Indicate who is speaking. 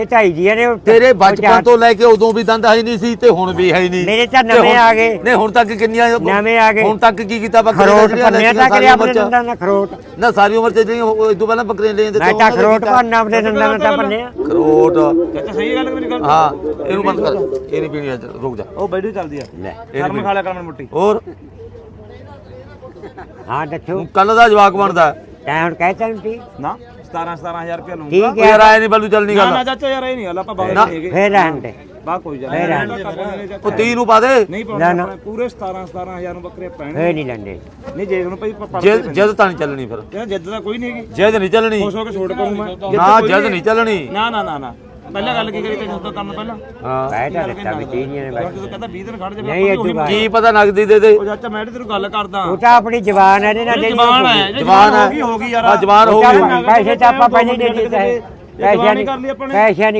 Speaker 1: ਢਾਈ ਜੀ ਨੇ
Speaker 2: ਤੇਰੇ ਬਚਪਨ ਤੋਂ ਲੈ ਕੇ ਉਦੋਂ ਵੀ ਦੰਦ ਹੈ ਨਹੀਂ ਸੀ ਤੇ ਹੁਣ ਵੀ ਹੈ ਨਹੀਂ।
Speaker 1: ਮੇਰੇ ਤਾਂ ਨਵੇਂ ਆ ਗਏ।
Speaker 2: ਨਹੀਂ ਹੁਣ ਤੱਕ ਕਿੰਨੀਆਂ
Speaker 1: ਨਵੇਂ ਆ ਗਏ।
Speaker 2: ਹੁਣ ਤੱਕ ਕੀ ਕੀਤਾ ਬੱਕਰੇ
Speaker 1: ਖਰੋਟ ਭੰਨਿਆ ਤਾਂ ਕਰਿਆ ਆਪਣੇ ਦੰਦਾਂ ਨਾਲ ਖਰੋਟ
Speaker 2: ਨਾ ਸਾਰੀ ਉਮਰ ਚ ਜਿਹੜੀਆਂ ਇਦੋਂ ਪਹਿਲਾਂ ਬੱਕਰੀਆਂ ਲੈਂਦੇ
Speaker 1: ਮੈਂ ਤਾਂ ਖਰੋਟ ਭੰਨਣਾ ਆਪਣੇ ਦੰਦਾਂ ਨਾਲ ਤਾਂ ਭੰਨਿਆ
Speaker 2: ਖਰੋਟ।
Speaker 3: ਚਾਚਾ ਸਹੀ ਗੱਲ ਮੇਰੀ ਗੱਲ।
Speaker 2: ਹਾਂ ਇਹਨੂੰ ਬੰਦ ਕਰ, ਇਹ ਨਹੀਂ ਪੀਣੀ ਅੱਜ, ਰੁਕ ਜਾ।
Speaker 3: ਉਹ ਬੈਠੀ ਚੱਲਦੀ ਆ
Speaker 1: ਲੈ
Speaker 3: ਸ਼ਰਮ ਖਾ ਲਿਆ ਕਰ ਮੁੱਟੀ।
Speaker 2: ਹੋਰ
Speaker 1: ਹਾਂ ਦੱਸੋ
Speaker 2: ਕੱਲ ਦਾ ਜਵਾਕ ਬਣਦਾ
Speaker 1: ਤੈਂ ਹੁਣ ਕਹਿ ਤਾ ਤੀ
Speaker 3: ਨਾ 17,000 ਰੁਪਏ ਲਊਂਗਾ।
Speaker 1: ਠੀਕ
Speaker 2: ਯਾਰ ਆਏ ਨਹੀਂ ਬੱਲੂ ਚੱਲਣੀ
Speaker 3: ਨਾ
Speaker 2: ਗੱਲ।
Speaker 3: ਨਾ ਚਾਚਾ ਯਾਰ ਇਹ ਨਹੀਂ ਗੱਲ ਆਪਾਂ ਬਾਹਰ
Speaker 2: ਨਾ।
Speaker 3: ਨਹੀਂ ਹੈਗੇ।
Speaker 1: ਫੇਰ ਰਹਿਣ ਦੇ
Speaker 3: ਬਾ ਕੋਈ ਜਾ
Speaker 2: ਉਹ 30 ਨੂੰ ਪਾ ਦੇ।
Speaker 3: ਨਹੀਂ
Speaker 1: ਨਾ,
Speaker 3: ਪਾਉਣਾ
Speaker 1: ਨਾ।
Speaker 3: ਆਪਣੇ ਪੂਰੇ 17,000 ਨੂੰ ਬੱਕਰੇ ਪੈਣੇ।
Speaker 1: ਫੇਰ ਨਹੀਂ ਲੰਡੇ
Speaker 3: ਨਹੀਂ ਜੇ ਉਹਨੂੰ ਭਾਈ
Speaker 2: ਜਦ ਤਾਂ ਨਹੀਂ ਚੱਲਣੀ ਫਿਰ।
Speaker 3: ਯਾਰ ਜਿੱਦ ਤਾਂ ਕੋਈ ਨਹੀਂ ਹੈਗੀ।
Speaker 2: ਜਦ ਨਹੀਂ ਚੱਲਣੀ
Speaker 3: ਖੁਸ਼ ਹੋ ਕੇ ਛੋੜ ਕਰੂੰ ਮੈਂ।
Speaker 2: ਨਾ ਜਦ ਨਹੀਂ ਚੱਲਣੀ।
Speaker 3: ਨਾ ਨਾ ਨਾ ਨਾ ਪਹਿਲਾਂ ਗੱਲ ਕੀ ਕਰੀ ਤੇ ਜਦੋਂ ਕੰਮ ਪਹਿਲਾਂ
Speaker 2: ਹਾਂ
Speaker 1: ਬੈਠ ਆ ਦਿੱਤਾ ਵੀ ਚੀਨੀਆਂ ਨੇ ਬੈਠ
Speaker 3: ਜਦੋਂ ਕਹਿੰਦਾ 20 ਦਿਨ ਖੜ ਜਾ
Speaker 1: ਨਹੀਂ ਅੱਜੂ ਬਾਤ
Speaker 2: ਕੀ ਪਤਾ ਨਗਦੀ ਦੇ ਦੇ।
Speaker 3: ਉਹ ਚਾਚਾ ਮੈਂ ਤੈਨੂੰ ਗੱਲ ਕਰਦਾ।
Speaker 1: ਉਹ ਤਾਂ ਆਪਣੀ ਜ਼ਬਾਨ ਹੈ ਇਹਦੇ ਨਾਲ
Speaker 3: ਜਵਾਨ ਹੈ
Speaker 2: ਜਵਾਨ ਹੈ।
Speaker 3: ਹੋ ਗਈ ਯਾਰ।
Speaker 2: ਹਾਂ ਜਵਾਨ ਹੋ ਗਈ।
Speaker 1: ਪੈਸੇ ਤਾਂ ਆਪਾਂ ਪਹਿਲੇ ਦੇ ਦਿੱਤੇ ਪੈਸੇ
Speaker 3: ਕਰ ਲਈ ਆਪਾਂ ਨੇ।
Speaker 1: ਪੈਸੇ